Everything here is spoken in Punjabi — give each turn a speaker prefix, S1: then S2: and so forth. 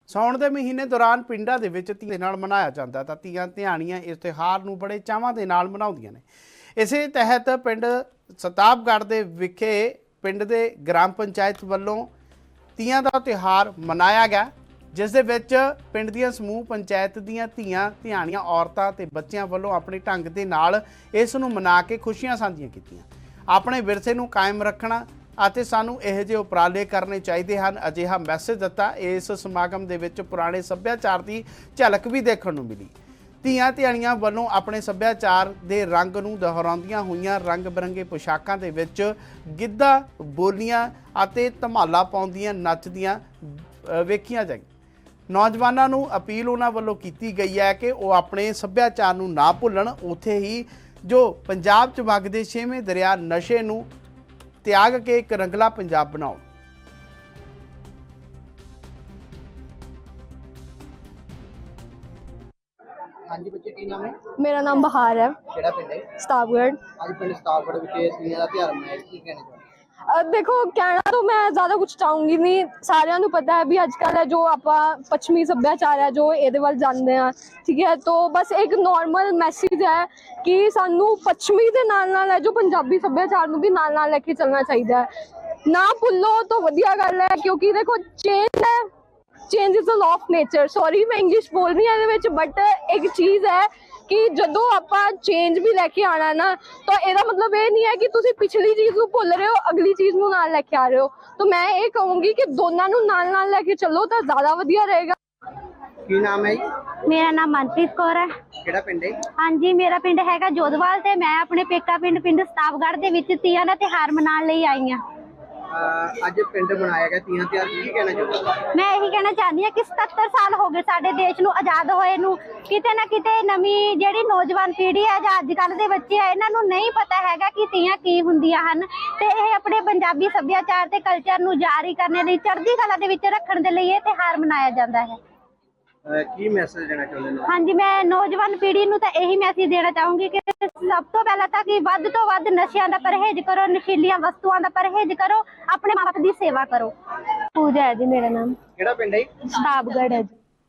S1: ਸਾਉਣ ਦੇ ਮਹੀਨੇ ਦੌਰਾਨ ਪਿੰਡਾਂ ਦੇ ਵਿੱਚ ਧੀਆਂ ਦੇ ਨਾਲ ਮਨਾਇਆ ਜਾਂਦਾ ਤਾਂ ਧੀਆਂ ਧਿਆਣੀਆਂ ਇਸ ਤਿਉਹਾਰ ਨੂੰ ਬੜੇ ਚਾਵਾਂ ਦੇ ਨਾਲ ਮਨਾਉਂਦੀਆਂ ਨੇ। ਇਸੇ ਤਹਿਤ ਪਿੰਡ ਸਤਾਬਗੜ੍ਹ ਦੇ ਵਿਖੇ ਪਿੰਡ ਦੇ ਗ੍ਰਾਮ ਪੰਚਾਇਤ ਵੱਲੋਂ ਧੀਆਂ ਦਾ ਤਿਉਹਾਰ ਮਨਾਇਆ ਗਿਆ, ਜਿਸ ਦੇ ਵਿੱਚ ਪਿੰਡ ਦੀਆਂ ਸਮੂਹ ਪੰਚਾਇਤ ਦੀਆਂ ਧੀਆਂ ਧਿਆਣੀਆਂ ਔਰਤਾਂ ਤੇ ਬੱਚਿਆਂ ਵੱਲੋਂ ਆਪਣੇ ਢੰਗ ਦੇ ਨਾਲ ਇਸ ਨੂੰ ਮਨਾ ਕੇ ਖੁਸ਼ੀਆਂ ਸਾਂਝੀਆਂ ਕੀਤੀਆਂ। ਆਪਣੇ ਵਿਰਸੇ ਨੂੰ ਕਾਇਮ ਰੱਖਣਾ ਅਤੇ ਸਾਨੂੰ ਇਹੋ ਜਿਹੇ ਉਪਰਾਲੇ ਕਰਨੇ ਚਾਹੀਦੇ ਹਨ, ਅਜਿਹਾ ਮੈਸੇਜ ਦਿੱਤਾ। ਇਸ ਸਮਾਗਮ ਦੇ ਵਿੱਚ ਪੁਰਾਣੇ ਸੱਭਿਆਚਾਰ ਦੀ ਝਲਕ ਵੀ ਦੇਖਣ ਨੂੰ ਮਿਲੀ। ਧੀਆਂ ਧਿਆਣੀਆਂ ਵੱਲੋਂ ਆਪਣੇ ਸੱਭਿਆਚਾਰ ਦੇ ਰੰਗ ਨੂੰ ਦੁਹਰਾਉਂਦੀਆਂ ਹੋਈਆਂ ਰੰਗ ਬਿਰੰਗੇ ਪੋਸ਼ਾਕਾਂ ਦੇ ਵਿੱਚ ਗਿੱਧਾ, ਬੋਲੀਆਂ ਅਤੇ ਧਮਾਲਾ ਪਾਉਂਦੀਆਂ ਨੱਚਦੀਆਂ ਵੇਖੀਆਂ ਜਾਈਆਂ। ਨੌਜਵਾਨਾਂ ਨੂੰ ਅਪੀਲ ਉਹਨਾਂ ਵੱਲੋਂ ਕੀਤੀ ਗਈ ਹੈ ਕਿ ਉਹ ਆਪਣੇ ਸੱਭਿਆਚਾਰ ਨੂੰ ਨਾ ਭੁੱਲਣ, ਉੱਥੇ ਹੀ ਜੋ ਪੰਜਾਬ 'ਚ ਵਗਦੇ 6ਵੇਂ ਦਰਿਆ ਨਸ਼ੇ ਨੂੰ ਤਿਆਗ ਕੇ ਇੱਕ ਰੰਗਲਾ ਪੰਜਾਬ ਬਣਾਓ।
S2: ਹਾਂਜੀ ਬੱਚੇ, ਕੀ ਨਾਮ ਹੈ?
S3: मेरा नाम बहार है।
S2: ਕਿਹੜਾ ਪਿੰਡ ਹੈ?
S3: सताबगढ़।
S2: ਅੱਜ ਪਿੰਡ ਸਤਾਬਗੜ੍ਹ ਵਿਖੇ ਤੀਆਂ ਦਾ ਤਿਉਹਾਰ ਮਨਾਇਆ, ਕੀ ਕਹਿਣਾ ਚਾਹੁੰਦੇ?
S3: देखो कहना तो मैं ज्यादा कुछ चाहूंगी नहीं, सारिਆਂ ਨੂੰ पता है भी अजकल है जो आप पश्चिमी सभ्याचार है जो ਇਹਦੇ ਵੱਲ ਜਾਂਦੇ ਆ, ठीक है। तो बस एक नॉर्मल मैसेज है कि ਸਾਨੂੰ ਪੱਛਮੀ ਦੇ ਨਾਲ ਨਾਲ ਹੈ ਜੋ ਪੰਜਾਬੀ ਸੱਭਿਆਚਾਰ ਨੂੰ ਵੀ ਨਾਲ ਨਾਲ ਲੈ ਕੇ ਚੱਲਣਾ ਚਾਹੀਦਾ ਹੈ। ਨਾ ਭੁੱਲੋ ਤਾਂ ਵਧੀਆ ਗੱਲ ਹੈ, ਕਿਉਂਕਿ ਦੇਖੋ ਚੇਂਜ ਹੈ, change is the law of nature. Sorry मैं इंग्लिश बोल रही हूँ, बट एक चीज़ है कि जो आप चेंज भी लैके आना ना, तो ਇਹਦਾ मतलब ये नहीं है कि ਤੁਸੀਂ पिछली चीज़ ਨੂੰ ਭੁੱਲ ਰਹੇ ਹੋ, अगली चीज़ ਨੂੰ ਨਾਲ ਲੈ ਕੇ ਆ ਰਹੇ ਹੋ। तो मैं ये कहूँगी कि ਦੋਨਾਂ ਨੂੰ ਨਾਲ ਨਾਲ ਲੈ ਕੇ ਚੱਲੋ ਤਾਂ ਜ਼ਿਆਦਾ ਵਧੀਆ ਰਹੇਗਾ।
S2: ਕੀ ਨਾਮ ਹੈ ਜੀ?
S4: मेरा नाम मनप्रीत कौर है।
S2: ਕਿਹੜਾ ਪਿੰਡ ਹੈ?
S4: हाँ जी, मेरा पिंड हैगा जोधवाल ते मैं अपने पेका पिंड पिंड सताबगढ़ ਦੇ ਵਿੱਚ ਤੀਆਂ ਦਾ ਤਿਉਹਾਰ ਮਨਾਉਣ ਲਈ ਆਈ ਹਾਂ।
S2: ਅੱਜ ਪਿੰਡ ਬਣਾਇਆ ਗਿਆ ਤੀਆਂ ਤਿਉਹਾਰ, ਕੀ ਕਹਿਣਾ ਚਾਹੁੰਦੇ?
S4: ਮੈਂ ਇਹੀ ਕਹਿਣਾ ਚਾਹੁੰਦੀ ਹਾਂ ਕਿ 77 ਸਾਲ ਹੋ ਗਏ ਸਾਡੇ ਦੇਸ਼ ਨੂੰ ਆਜ਼ਾਦ ਹੋਏ ਨੂੰ, ਕਿਤੇ ਨਾ ਕਿਤੇ ਨਵੀਂ ਜਿਹੜੀ ਨੌਜਵਾਨ ਪੀੜ੍ਹੀ ਹੈ ਜਾਂ ਅੱਜ ਕੱਲ੍ਹ ਦੇ ਬੱਚੇ ਆ, ਇਹਨਾਂ ਨੂੰ ਨਹੀਂ ਪਤਾ ਹੈਗਾ ਕਿ ਤੀਆਂ ਕੀ ਹੁੰਦੀਆਂ ਹਨ, ਤੇ ਇਹ ਆਪਣੇ ਪੰਜਾਬੀ ਸੱਭਿਆਚਾਰ ਤੇ ਕਲਚਰ ਨੂੰ ਜਾਰੀ ਕਰਨ ਲਈ, ਚੜ੍ਹਦੀ ਕਲਾ ਦੇ ਵਿੱਚ ਰੱਖਣ ਦੇ ਲਈ ਇਹ ਤਿਉਹਾਰ ਮਨਾਇਆ ਜਾਂਦਾ ਹੈ।
S2: ਕੀ ਮੈਸੇਜ ਦੇਣਾ ਚਾਹੁੰਦੇ ਨੇ?
S4: ਹਾਂਜੀ, ਮੈਂ ਨੌਜਵਾਨ ਪੀੜ੍ਹੀ ਨੂੰ ਤਾਂ ਇਹੀ ਮੈਸੇਜ ਦੇਣਾ ਚਾਹੂੰਗੀ ਕਿ ਸਭ ਤੋਂ ਪਹਿਲਾਂ ਤਾਂ ਕਿ ਵੱਧ ਤੋਂ ਵੱਧ ਨਸ਼ਿਆਂ ਦਾ ਪਰਹੇਜ਼ ਕਰੋ, ਨਸ਼ੀਲੀਆਂ ਵਸਤੂਆਂ ਦਾ ਪਰਹੇਜ਼ ਕਰੋ, ਆਪਣੇ ਮਾਂ ਬਾਪ ਦੀ ਸੇਵਾ ਕਰੋ। ਪੂਜਾ ਹੈ ਜੀ ਮੇਰਾ ਨਾਮ।
S2: ਕਿਹੜਾ ਪਿੰਡ ਹੈ?
S4: ਸਤਾਬਗੜ੍ਹ ਹੈ ਜੀ।